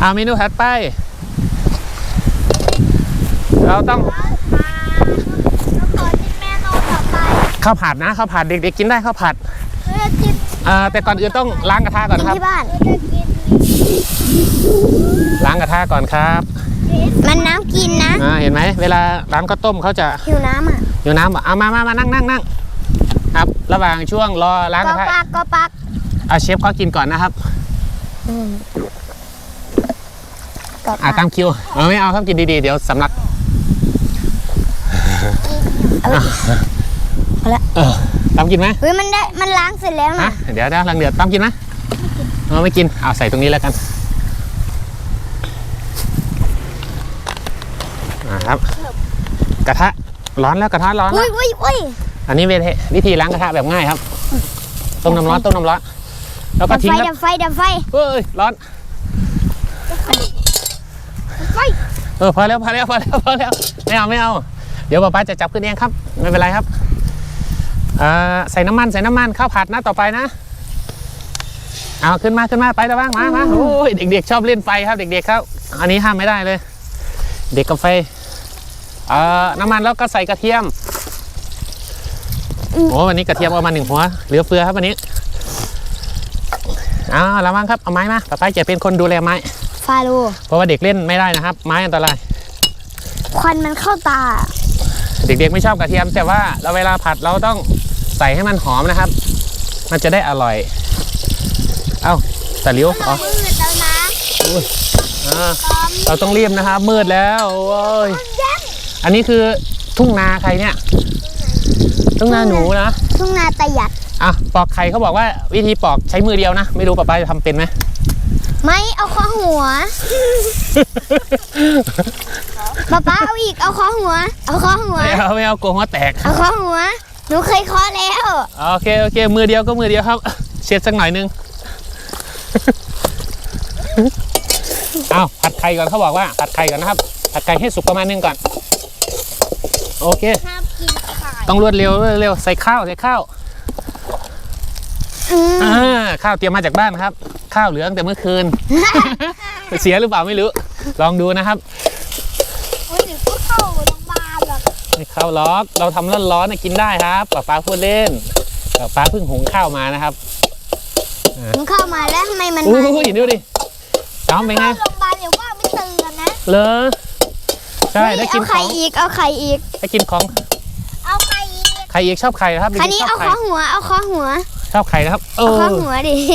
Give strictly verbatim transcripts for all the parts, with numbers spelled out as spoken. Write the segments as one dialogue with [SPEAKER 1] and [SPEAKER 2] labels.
[SPEAKER 1] เอาเมนูถัดไปเราต้องข้าวผัดนะข้าวผัดเด็กๆกินได้ข้าวผัดแต่ก่อนอื่นต้องล้างกระทะก่อนครับ
[SPEAKER 2] ที่บ้าน
[SPEAKER 1] ล้างกระทะก่อนครับ
[SPEAKER 2] มันน้ำกินนะ
[SPEAKER 1] เห็นไหมเวลาร้านข้าวต้มเขาจะ
[SPEAKER 2] หิวน้ำอ่ะ
[SPEAKER 1] หิวน้ำอ่ะเอามามามานั่งนั่งนั่งครับระหว่างช่วงรอล้างกระทะ
[SPEAKER 2] ก็ปักก็ปัก
[SPEAKER 1] เอาเชฟเขากินก่อนนะครับอ่าตามคิวเออไม่เอาครับกินดีๆเดี๋ยวสำลัก
[SPEAKER 2] เอาละ
[SPEAKER 1] ตามกินไหม
[SPEAKER 2] เฮ้ยมันได้มันล้างเสร็จแล้วนะ
[SPEAKER 1] เดี๋ยวเดี๋ยวล้างเดือดตามกินไหมเออไม่กินเอาใส่ตรงนี้แล้วกันครับกระทะร้อนแล้วกระทะร้อนแล้วอันนี้วิธีล้างกระทะแบบง่ายครับต้มน้ำร้อนต้มน้ำร้อนแล้วก็ทิ้ง
[SPEAKER 2] ดับไฟดับไฟ
[SPEAKER 1] เฮ้ยร้อนเออพอแล้วพอแล้วพอแล้วพอแล้วไม่เอาไม่เอาเดี๋ยวป้าจะจับขึ้นเองครับไม่เป็นไรครับใส่น้ำมันใส่น้ำมันข้าวผัดนะต่อไปนะเอาขึ้นมาขึ้นมาไปตะบ้างมามาโอ้ยเด็กๆชอบเล่นไฟครับเด็กๆครับอันนี้ห้ามไม่ได้เลยเด็กกับไฟน้ำมันแล้วก็ใส่กระเทียมโอ้วันนี้กระเทียมเอามาหนึ่งหัวเหลือเฟือครับวันนี้เอาละมั้งครับเอาไม้มาป้าจะเป็นคนดูแลไม้
[SPEAKER 2] ฟาโล
[SPEAKER 1] เพราะว่าเด็กเล่นไม่ได้นะครับไม้อันตราย
[SPEAKER 2] ควันมันเข้าตา
[SPEAKER 1] เด็กๆไม่ชอบกระเทียมแต่ว่าเราเวลาผัดเราต้องใส่ให้มันหอมนะครับมันจะได้อร่อยเอ้าตะลิ้วอ๋อมืดแล้วนะเราต้องรีบนะครับมืดแล้วโอ้ยอันนี้คือทุ่งนาใครเนี่ยทุ่งนาหนูนะ
[SPEAKER 2] ทุ่งนาตะหยัด
[SPEAKER 1] อ่ะปอกไข่เขาบอกว่าวิธีปอกใช้มือเดียวนะไม่รู้ป้าป้าจะทำเป็นไหม
[SPEAKER 2] ไม่เอาข้อหัวป้าป้าเอาอีกเอาข้อหัวเอาข้อหัว
[SPEAKER 1] ไม่เอาไม่เอาโกงหัวแตก
[SPEAKER 2] เอาข้อหัวหนูเคยเคาะแล้ว
[SPEAKER 1] โอเคโอเคมือเดียวก็มือเดียวครับเช็ดสักหน่อยนึงเอาผัดไข่ก่อนเขาบอกว่าผัดไข่ก่อนนะครับผัดไข่ให้สุกประมาณนึงก่อนโอเคต้องรวดเร็วรวดเร็วใส่ข้าวใส่ข้าวข้าวเตรียมมาจากบ้านครับข้าวเหลือตั้งแต่เมื่อคืนเสียหรือเปล่าไม่รู้ลองดูนะครับ
[SPEAKER 2] ไม่เข้าโรงพยาบาลหรอก
[SPEAKER 1] ไม่เข้าล็อกเราทำร้อนร้อนกินได้ครับป้าป้าพูดเล่นป้าป้าเพิ่งหุงข้าวมานะครับ
[SPEAKER 2] หุงข้าวมาแล้วทำไมมัน
[SPEAKER 1] อู้หูดูดิจ้อมเป็นไง
[SPEAKER 2] โรงพยาบาลเดี๋ยวว่าไม่ตื่นนะ
[SPEAKER 1] เลอใช่ได้กินของ
[SPEAKER 2] เอาไข่อีกเอาไข่อีก
[SPEAKER 1] ได้กินของ
[SPEAKER 2] เอาไข่อีก
[SPEAKER 1] ไข่อีกชอบไข่ครับ
[SPEAKER 2] คันนี้เอาข้อหัวเอาข้อหัว
[SPEAKER 1] ชอบไข่นะครับ
[SPEAKER 2] เอาข้อหัวดิ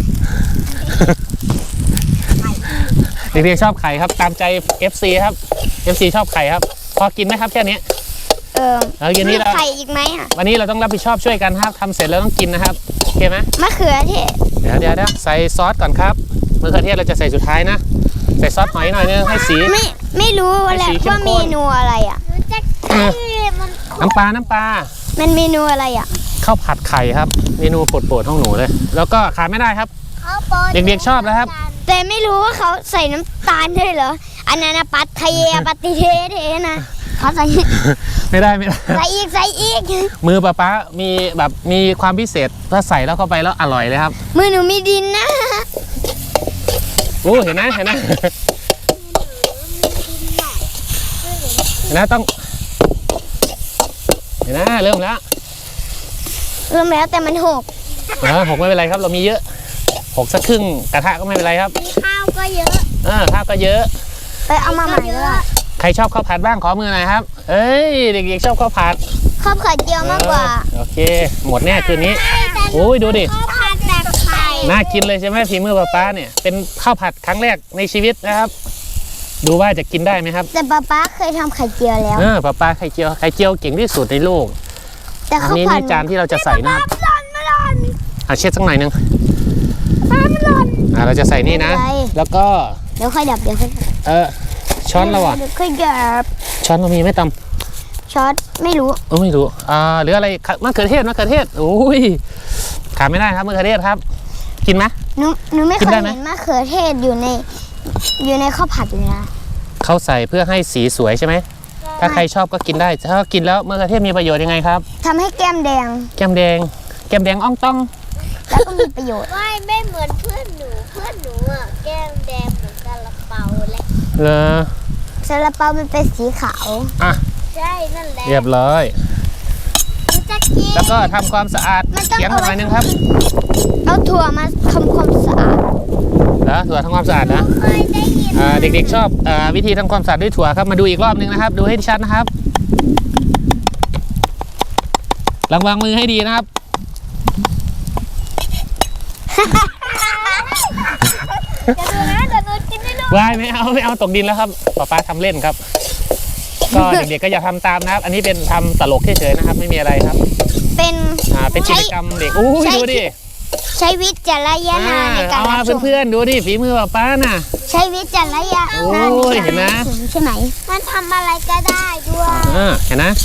[SPEAKER 1] เด็กๆชอบไข่ครับตามใจ เอฟ ซี ครับ เอฟ ซี ชอบไข่ครับพอกินไหมครับแค่นี้
[SPEAKER 2] เออ
[SPEAKER 1] แล้วยันนี้เรา
[SPEAKER 2] ไข่อีกไหมอ่ะ
[SPEAKER 1] วันนี้เราต้องรับผิดชอบช่วยกันครับทำเสร็จแล้วต้องกินนะครับโอเคไหม
[SPEAKER 2] มะเขือเทศ
[SPEAKER 1] เดี๋ยวเดี๋ยวเดี๋ยวใส่ซอสก่อนครับมะเขือเทศเราจะใส่สุดท้ายนะใส่ซอสหอยหน่อยนึงให้สี
[SPEAKER 2] ไม่ไม่รู้แล้วว่าเมนูอะไรอ่ะ
[SPEAKER 1] น้ำปลาน้ำปลา
[SPEAKER 2] มันเมนูอะไรอ่ะ
[SPEAKER 1] ข้าวผัดไข่ครับเมนูโปรดๆของหนูเลยแล้วก็ขาดไม่ได้ครับเด็กๆชอบนะครับ
[SPEAKER 2] แต่ไม่รู้ว่าเขาใส่น้ำตาลด้วยเหรออันนั้นนะปัตเทปัตติเทเทนะเขาใส่
[SPEAKER 1] ไม่ได้ไม่ได้
[SPEAKER 2] ใส่อีกใส่อีก
[SPEAKER 1] มือป้าป้ามีแบบมีความพิเศษถ้าใส่แล้วเข้าไปแล้วอร่อยเลยครับ
[SPEAKER 2] มือหนูมีดินนะ
[SPEAKER 1] โอ้เห็นไหมเห็นไหมเห็นไหมต้องเห็นไหมเริ่มแล้ว
[SPEAKER 2] เริ่มแล้วแต่มันหก
[SPEAKER 1] เออหกไม่เป็นไรครับเรามีเยอะหกสักครึ่งกระทะก็ไม่เป็นไรครับ
[SPEAKER 2] ข้าวก็เยอะ
[SPEAKER 1] เออข้าวก็เยอะ
[SPEAKER 2] ไปเอามาใหม่ด้วย
[SPEAKER 1] ใครชอบข้าวผัดบ้างขอมือหน่อยครับเอ้ยเด็กๆชอบข้าวผัด
[SPEAKER 2] ข้าวผัดเจียวมากกว่า
[SPEAKER 1] โอเคหมดแน่คืนนี้โอ้ยดูดิ
[SPEAKER 2] ข้าวผัดแบบไข่
[SPEAKER 1] น่ากินเลยใช่ไหมฝีมือป้าป้าเนี่ยเป็นข้าวผัดครั้งแรกในชีวิตนะครับดูว่าจะกินได้ไหมครับ
[SPEAKER 2] แต่ป้าป้าเคยทำไข่เจียวแล้ว
[SPEAKER 1] เออป้าป้าไข่เจียวไข่เจียวเก่งที่สุดในโลก
[SPEAKER 2] แต่
[SPEAKER 1] อันนี้ในจานที่เราจะใส่นะครับอ่ะเช็ดสักหน่อยนึงอ่ะเราจะใส่นี่นะแล้วก็
[SPEAKER 2] เดี๋ยวค่อยดับเดี๋ยวค่อย
[SPEAKER 1] เออช้อนเราอ่ะ
[SPEAKER 2] ค่อยดับ
[SPEAKER 1] ช้อนเรามีไม่ตำ
[SPEAKER 2] ช้อนไม่รู้
[SPEAKER 1] เออไม่รู้อ่าหรืออะไรมะเขือเทศมะเขือเทศโอ้ยขาดไม่ได้ครับมะเขือเทศครับกินไหม
[SPEAKER 2] หนูหนูไม่เคยเห็นมะเขือเทศอยู่ในอยู่ในข้าวผัดเลยนะ
[SPEAKER 1] เขาใส่เพื่อให้สีสวยใช่ไหมถ้าใครชอบก็กินได้ถ้ากินแล้วมะเขือเทศมีประโยชน์ยังไงครับ
[SPEAKER 2] ทำให้แก้มแดง
[SPEAKER 1] แก้มแดงแก้มแดงอ่องต้อง
[SPEAKER 2] แล้วก็มีประโยชน์
[SPEAKER 3] ไม่ไม่เหมือนเพื่อนหนูเพื่อนหนูอ่ะแก้มแดงเหมือนกันละ
[SPEAKER 1] เหรอ
[SPEAKER 2] ซาลาเปามันเป็นสีขาว
[SPEAKER 1] อ่ะ
[SPEAKER 2] ใช่นั่นแหละ
[SPEAKER 1] เรียบร้อย
[SPEAKER 2] มันจะกิน
[SPEAKER 1] แล้วก็ทำความสะอาด
[SPEAKER 2] มันต้อง
[SPEAKER 1] เขียงห
[SPEAKER 2] เอาไว้
[SPEAKER 1] น่อยนึงครับ
[SPEAKER 2] เอาถั่วมาทำความสะอาด
[SPEAKER 1] นะถั่วทำความสะอาดนะ
[SPEAKER 2] เคยได้ยิน
[SPEAKER 1] อ่าเด็กๆชอบอ่าวิธีทำความสะอาดด้วยถั่วครับมาดูอีกรอบนึงนะครับ ดูให้ชัดนะครับระวังมือให้ดีนะครับ
[SPEAKER 2] อย่าดูนะเดี๋ยวหนูกินไม่รู้
[SPEAKER 1] วายไม่เอาไม่เอาตกดินแล้วครับป๊าป๊าทำเล่นครับ ก็เด็กๆก็อย่าทำตามนะครับ อันนี้เป็นทำตลกเฉยๆนะครับ ไม่มีอะไรครับ
[SPEAKER 2] เป็น
[SPEAKER 1] อ่าเป็นกิจกรรมเด็กอู้ยดูดิ
[SPEAKER 2] ใช้วิจารณญาณ
[SPEAKER 1] อ่า
[SPEAKER 2] ในการ
[SPEAKER 1] เอา
[SPEAKER 2] รั
[SPEAKER 1] มา
[SPEAKER 2] บชม
[SPEAKER 1] เพื่อนๆดูดิฝีมือป๊าป๊าน่ะ
[SPEAKER 2] ใช้วิจารณญาณ
[SPEAKER 1] โอ้ยเห็นไหม
[SPEAKER 2] ใช่ไหมมันทำอะไรก็ได้ด้วย
[SPEAKER 1] อ่าเห็นนะ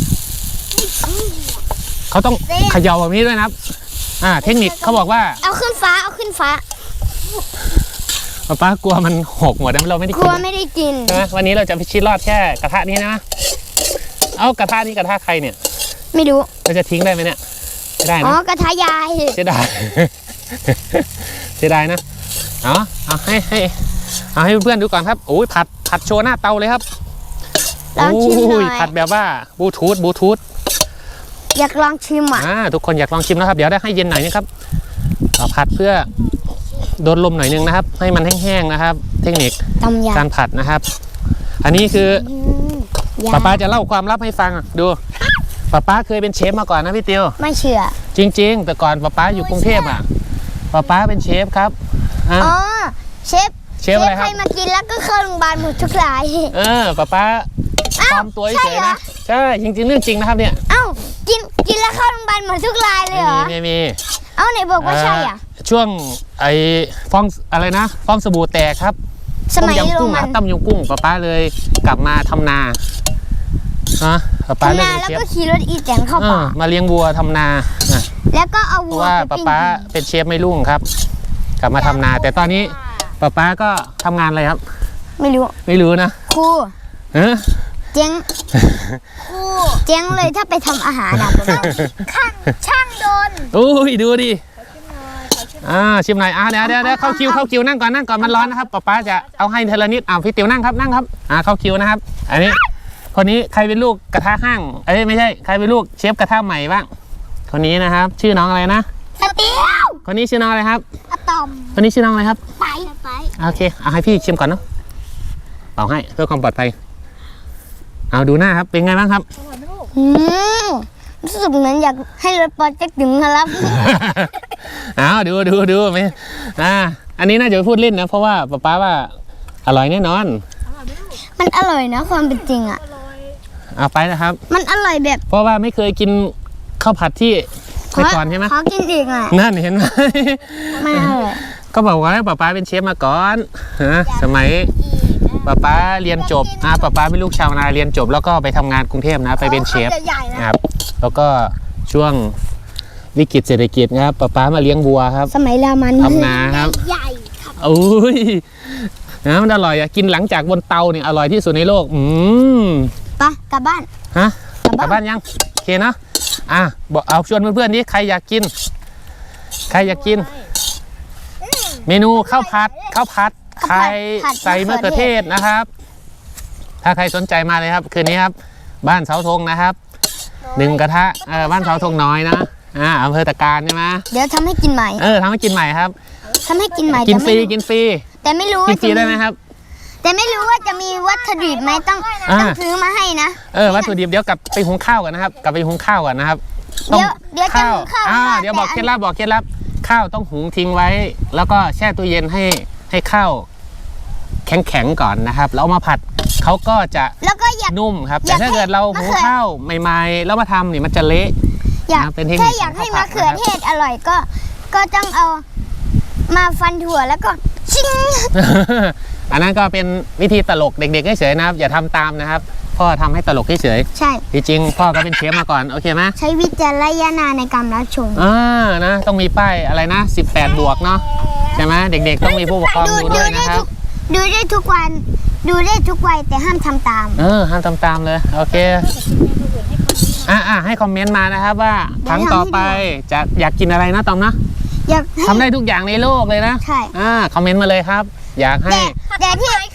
[SPEAKER 1] เขาต้องเขย่าแบบนี้ด้วยนะครับ อ่า เทคนิคเขาบอกว่า
[SPEAKER 2] เอาขึ้นฟ้าเอาขึ้นฟ้า
[SPEAKER 1] ป๊าป๊ากลัวมันหกหมดแล้วเราไม่ได้
[SPEAKER 2] ก
[SPEAKER 1] กิ
[SPEAKER 2] ลั
[SPEAKER 1] น
[SPEAKER 2] วไม่ได้กิน
[SPEAKER 1] ใช่ไหมวันนี้เราจะพิชิตรอดแค่กระทะนี้นะเอากระทะนี้กระทะใครเนี่ย
[SPEAKER 2] ไม่รู้
[SPEAKER 1] เราจะทิ้งได้ไหมเนี่ยไม่ได้
[SPEAKER 2] อ๋อ
[SPEAKER 1] นะ
[SPEAKER 2] กระทะยาย
[SPEAKER 1] เสียดาย เสียดายนะเอาเอาให้ให้เอาให้เพื่อนๆดูก่อนครับโอ้ยผัดผัดโชว์หน้าเตาเลยครับ
[SPEAKER 2] ลองชิมหน่
[SPEAKER 1] โอ้
[SPEAKER 2] อย
[SPEAKER 1] ผัดแบบว่าบลูทูธบลูทูธ
[SPEAKER 2] อยากลองชิมอ่ะ
[SPEAKER 1] อ่าทุกคนอยากลองชิมนะครับ เดี๋ยวได้ให้เย็นหน่อยนึงครับเอาผัดเพื่อโดนลมหน่อยนึงนะครับ ให้มันแห้งๆนะครับ เทคนิค
[SPEAKER 2] ตำย
[SPEAKER 1] การผัดนะครับ อันนี้คือ
[SPEAKER 2] ำอืมย
[SPEAKER 1] ป๊าป๊าจะเล่าความลับให้ฟังดูป๊าป๊าเคยเป็นเชฟมาก่อนนะพี่ติว
[SPEAKER 2] ไม่เชื่อ
[SPEAKER 1] จริง ๆ แต่ก่อนป๊าป๊าอยู่กรุงเทพอ่ะป๊าป๊าเป็นเชฟครับอ่ะ
[SPEAKER 2] อ๋อ เชฟ
[SPEAKER 1] เชฟอะไรครับ
[SPEAKER 2] ใครมากินแล้วก็เข้าโรงพยาบาลหมดทุกราย
[SPEAKER 1] เออป๊าป๊า
[SPEAKER 2] อ้าว
[SPEAKER 1] ปลอมตัว
[SPEAKER 2] ใช่
[SPEAKER 1] เฉย
[SPEAKER 2] เหรอ
[SPEAKER 1] ๆนะใช่จริงๆเรื่องจริงนะครับเนี่ย
[SPEAKER 2] เอ้า กิน กินแล้วเข้าโรงพยาบาลหมดทุกรายเลยเหรอ
[SPEAKER 1] ไม่มีไม่มี
[SPEAKER 2] เอ้าไหนบอกว่าใช่อ่ะ
[SPEAKER 1] เช่วงไอ้ฟองอะไรนะฟองสบู่แตกครับ
[SPEAKER 2] สมัย
[SPEAKER 1] ต้ม
[SPEAKER 2] โร
[SPEAKER 1] ยำกุ้ง
[SPEAKER 2] มั
[SPEAKER 1] อะ
[SPEAKER 2] น
[SPEAKER 1] ต้มยำกุ้งป๊าป๊าเลยกลับมาทำนาฮะป๊าป๊า
[SPEAKER 2] ทำ
[SPEAKER 1] เลย
[SPEAKER 2] นา
[SPEAKER 1] เป็น
[SPEAKER 2] แล้ว
[SPEAKER 1] เชฟ
[SPEAKER 2] ก็ขี่รถอีแตนเข้า
[SPEAKER 1] เอ
[SPEAKER 2] ป่า
[SPEAKER 1] อมาเลี้ยงวัวทำนาอ่ะ
[SPEAKER 2] แล้วก็เอา
[SPEAKER 1] เพ
[SPEAKER 2] วั
[SPEAKER 1] ราะ
[SPEAKER 2] ว
[SPEAKER 1] ว่า
[SPEAKER 2] ไป
[SPEAKER 1] ป๊า
[SPEAKER 2] ปิ้ง
[SPEAKER 1] ป๊าเป็นเชฟไม่รุ่งครับ กลับมาทำนา แต่ตอนนี้ป๊าป๊าก็ทำงานอะไรครับ
[SPEAKER 2] ไม่รู้
[SPEAKER 1] ไม่รู้นะ
[SPEAKER 2] ครู
[SPEAKER 1] เออ
[SPEAKER 2] เจ๊งครูเจ๊งเลยถ้าไปทำอาหารนะข้างช่างโดน
[SPEAKER 1] อุ้ยดูดิอ่าชิมหน่อยอ่าเดี๋ยวเดี๋ยวเดี๋ยวเข้าคิวเข้าคิวนั่งก่อนนั่งก่อนมันร้อนนะครับป๊าป๊าจะเอาให้เทละนิดอ่าพี่ติ๋วนั่งครับนั่งครับอ่าเข้าคิวนะครับ อันนี้คนนี้ใครเป็นลูกกระทะห้างเอ้ยไม่ใช่ใครเป็นลูกเชฟกระทะใหม่บ้างคนนี้นะครับ ชื่อน้องอะไรนะ
[SPEAKER 2] สเตียว
[SPEAKER 1] คนนี้ชื่อน้องอะไรครับ
[SPEAKER 2] อะตอม
[SPEAKER 1] คนนี้ชื่อน้องอะไรครับ
[SPEAKER 2] ไปไป
[SPEAKER 1] โอเคเอาให้พี่ชิมก่อนเนาะเป่าให้เพื่อความปลอดภัยเอาดูหน้าครับเป็นไงบ้างครับ
[SPEAKER 2] อืมรู้สึกเหมือนอยากให้รถปอเจ๊กถึงครับ
[SPEAKER 1] เอาดูดูดูไหมอ่าอันนี้น่าจะพูดเล่นนะเพราะว่าป๊าป๊าว่าอร่อยแน่นอน
[SPEAKER 2] มันอร่อยนะความเป็นจริงอ่ะ
[SPEAKER 1] เอาไปนะครับ
[SPEAKER 2] มันอร่อยแบบ
[SPEAKER 1] เพราะว่าไม่เคยกินข้าวผัดที่ไปก่อนใช่ไหม
[SPEAKER 2] ขอกินอีกอ่ะ
[SPEAKER 1] นั่นเห็นไหม
[SPEAKER 2] ไม่อร่อย
[SPEAKER 1] ก็บอกว่าป๊าป๊าเป็นเชฟมาก่อนฮะสมัยป๊าป๊าเรียนจบอ่าป๊าป๊าเป็นลูกชาวนาเรียนจบ แล้วก็ไปทำงานกรุงเทพนะไปเป็นเชฟ
[SPEAKER 2] ใหญ่ๆนะ
[SPEAKER 1] นะครับแล้วก็ช่วงวิกฤตเศรษฐกิจนะครับป๊าป๊ามาเลี้ยงวัวครับ
[SPEAKER 2] สมัยรามัน
[SPEAKER 1] ทำนาครับ
[SPEAKER 2] ใหญ่
[SPEAKER 1] อุ้ยนะมันอร่อยอะกินหลังจากบนเตาเนี่ยอร่อยที่สุดในโลกอืม
[SPEAKER 2] ปะกลับบ้าน
[SPEAKER 1] ฮะ
[SPEAKER 2] กลับ
[SPEAKER 1] กลับ
[SPEAKER 2] บ้าน
[SPEAKER 1] บ้านยังโอเคเนาะอ่ะบอกเอาชวนเพื่อนๆนี้ใครอยากกิน ใครอยากกิน เมนูข้าวผัดข้าวผัดไข่ใส่มะเขือเทศนะครับ ถ้าใครสนใจมาเลยครับ คืนนี้ครับ บ้านเสาธงนะครับหนึ่งกระทะเออบ้านเสาธงน้อยนะอ่าอำเภอตะการใช่ไหม
[SPEAKER 2] เดี๋ยวทำให้กินใหม่
[SPEAKER 1] เออทำให้กินใหม่ครับ
[SPEAKER 2] ทำให้กินใหม่
[SPEAKER 1] กินฟรี
[SPEAKER 2] แต่ไม่
[SPEAKER 1] กินฟรี
[SPEAKER 2] แต่ไม่รู้
[SPEAKER 1] กิ
[SPEAKER 2] ว่าน
[SPEAKER 1] ฟรี
[SPEAKER 2] จะ
[SPEAKER 1] ได้ไหมครับ
[SPEAKER 2] แต่ไม่รู้ว่าจะมีวัตถุดิบไหมต้อง
[SPEAKER 1] อ่า
[SPEAKER 2] ต้องซื้อมาให้นะ
[SPEAKER 1] เออวัตถุดิบเดี๋ยวกลับไปหุงข้าวกันนะครับ กลับไปหุงข้าวก่อนนะครับ
[SPEAKER 2] เดี๋ยวเดี๋ยวจะหุงข้าว
[SPEAKER 1] อ่า
[SPEAKER 2] ไม่ได้
[SPEAKER 1] เดี๋ยวบอก
[SPEAKER 2] แต่
[SPEAKER 1] เคล็ดลับบอกเคล็ดลับข้าวต้องหุงทิ้งไว้ แล้วก็แช่ตู้เย็นให้ให้ข้าวแข็งๆก่อนนะครับแล้วเอามาผัดเขาก็จะ
[SPEAKER 2] แล้วก็อยาก
[SPEAKER 1] นุ่มครับ
[SPEAKER 2] อ
[SPEAKER 1] แต่
[SPEAKER 2] ยาก
[SPEAKER 1] ถ้าเกิดเราหุง
[SPEAKER 2] มะเขือ
[SPEAKER 1] ข้าวใหม่ๆแล้วมาทำนี่มันจะเละ
[SPEAKER 2] อยาก
[SPEAKER 1] นะเป็นเทคนิค
[SPEAKER 2] ถ้าอยากให้
[SPEAKER 1] ของ
[SPEAKER 2] มะ
[SPEAKER 1] ข้าวผัด
[SPEAKER 2] เขือเทศอร่อยก็ ก็ต้องเอามาฟันถั่วแล้วก็ชิง
[SPEAKER 1] อันนั้นก็เป็นวิธีตลกเด็กๆเฉยๆนะครับ อย่าทำตามนะครับพ่อทำให้ตลกเฉย
[SPEAKER 2] ใช่
[SPEAKER 1] ๆจริงๆพ่อก็เป็นเชฟมาก่อนโอเคไหม
[SPEAKER 2] ใช้วิจารณญาณในการรับชม
[SPEAKER 1] อ่านะต้องมีป้ายอะไรนะสิบแปดบวกเนาะใช่ไหมเด็กๆต้องมีผู้ปกครอง
[SPEAKER 2] ดู
[SPEAKER 1] ดู
[SPEAKER 2] ดู
[SPEAKER 1] ด้วย
[SPEAKER 2] ได้
[SPEAKER 1] นะครั
[SPEAKER 2] ทุ
[SPEAKER 1] บ
[SPEAKER 2] กดูได้ทุกวัน ดูได้ทุกวัยแต่ห้ามทำตาม
[SPEAKER 1] เออห้ามทำตามเลยโอเคอ่ะอ่ะให้คอมเมนต์มานะครับว่าครั้งต่อไปจะอยากกินอะไรนะตอมนะ
[SPEAKER 2] อยากให้
[SPEAKER 1] ทำได้ทุกอย่างในโลกเลยนะ
[SPEAKER 2] ใช่
[SPEAKER 1] อ่าคอมเมนต์มาเลยครับ อยากให้
[SPEAKER 2] แต่แต่ที่ก็ได้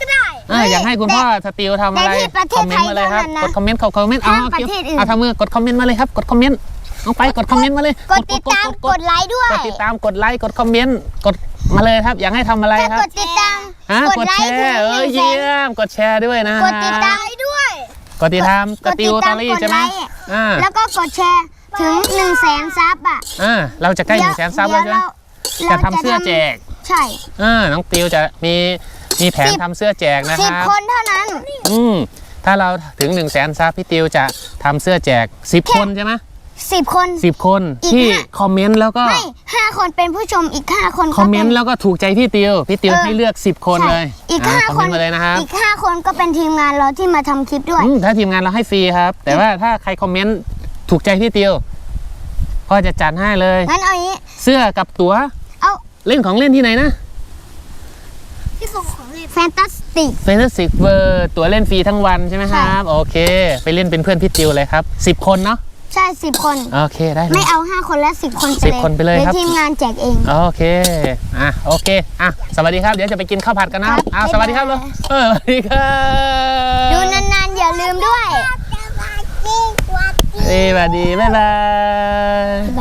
[SPEAKER 1] เอออยากให้คุณพ่อสติวทำอะไร
[SPEAKER 2] แต่ที่ประเท
[SPEAKER 1] คอ
[SPEAKER 2] ศ
[SPEAKER 1] มเม
[SPEAKER 2] ไท
[SPEAKER 1] น
[SPEAKER 2] ย
[SPEAKER 1] ต์มาเลยครับ
[SPEAKER 2] เท่านั้นนะ
[SPEAKER 1] กดคอมเมนต์เขาคอมเมนต์เอา
[SPEAKER 2] ห้ามประเทศอื่น
[SPEAKER 1] เอาทำมือกดคอมเมนต์มาเลยครับกดคอมเมนต์เอาไปกดคอมเมนต์มาเลย
[SPEAKER 2] กดติดตามกดไลค์ด้วย
[SPEAKER 1] กดติดตามกดไลค์กดคอมเมนต์กดมาเลยครับอยากให้ทำอะไร
[SPEAKER 2] ถ้า
[SPEAKER 1] ครับ
[SPEAKER 2] กดติดตาม
[SPEAKER 1] ฮะ
[SPEAKER 2] ก
[SPEAKER 1] ก
[SPEAKER 2] ด
[SPEAKER 1] ด
[SPEAKER 2] ไล
[SPEAKER 1] แช
[SPEAKER 2] ค์ถึง
[SPEAKER 1] ร์เอ
[SPEAKER 2] ห
[SPEAKER 1] อ
[SPEAKER 2] นึ่งแส
[SPEAKER 1] เยี่
[SPEAKER 2] น
[SPEAKER 1] ยมกดแชร์ด้วยนะ
[SPEAKER 2] กดติดตามด้วย
[SPEAKER 1] กดติดตามกดติวตอรี่ใช่ไหมอ่า
[SPEAKER 2] แล้วก็กดแชร์ถึงหนึ่งแสนซับอ่ะ
[SPEAKER 1] อ่าเราจะใกล้หนึ่งแสนซับแล้วใช่ไหม
[SPEAKER 2] ดี๋ย
[SPEAKER 1] จะทำเสื้อแจก
[SPEAKER 2] ใช่
[SPEAKER 1] อ่าน้องติวจะมีมีแผน
[SPEAKER 2] สิบ
[SPEAKER 1] ทำเสื้อแจกนะค
[SPEAKER 2] สิบ
[SPEAKER 1] รับ
[SPEAKER 2] คนเท่านั้น
[SPEAKER 1] อืมถ้าเราถึง1นึ่งแสนซับพี่ติวจะทำเสื้อแจกสิบคนใช่ไหม
[SPEAKER 2] สิบคน
[SPEAKER 1] สิบคน
[SPEAKER 2] อีก
[SPEAKER 1] ที่
[SPEAKER 2] ห้า
[SPEAKER 1] คอมเมนต์แล้วก็
[SPEAKER 2] ไม่ห้าคนเป็นผู้ชมอีกห้าคนก็
[SPEAKER 1] คอมเมนต์
[SPEAKER 2] ป็
[SPEAKER 1] แล้วก็ถูกใจพี่ติวพี่ติว
[SPEAKER 2] เออ
[SPEAKER 1] ให้เลือกสิบคน
[SPEAKER 2] ใช่
[SPEAKER 1] เลย
[SPEAKER 2] อีก
[SPEAKER 1] อ่า
[SPEAKER 2] ห้า
[SPEAKER 1] คอม
[SPEAKER 2] ค
[SPEAKER 1] เม
[SPEAKER 2] น
[SPEAKER 1] นต์มาเลยนะครับ
[SPEAKER 2] อีกห้าคนก็เป็นทีมงานเราที่มาทำคลิปด้วย
[SPEAKER 1] อืมถ้าทีมงานเราให้ฟรีครับ แต่ว่าถ้าใครคอมเมนต์ถูกใจพี่ติวพ่อจะจัดให้เลย
[SPEAKER 2] งั้นเอาอย่างนี้
[SPEAKER 1] เสื้อกับตั๋ว
[SPEAKER 2] เอา
[SPEAKER 1] เล่นของเล่นที่ไหนนะ
[SPEAKER 2] ที่ส่งของเล่นแฟนตาสติก
[SPEAKER 1] เฟนติกเวอร์ตั๋วเล่นฟรีทั้งวันใช่ไหมครับโอเค ไปเล่นเป็นเพื่อนพี่ติวเลยครับสิบคนเนาะ
[SPEAKER 2] ใช่สิบคน
[SPEAKER 1] โอเคได้เล
[SPEAKER 2] ไม่
[SPEAKER 1] ย
[SPEAKER 2] เอาห้าคนและสิบคนไป
[SPEAKER 1] สิบคนไปเลยครับ
[SPEAKER 2] ดี๋วทีมงานแจกเอง
[SPEAKER 1] โอเค อ่ะ โอเค อ่ะ สวัสดีครับ เดี๋ยวจะไปกินข้าวผัดกันนะครับ อ้าวสวัสดีครับเลยเออสวัสดีครับ
[SPEAKER 2] ดูนานๆอย่าลืมด้วย
[SPEAKER 1] เอ้ยสวัสดี บ๊ายบาย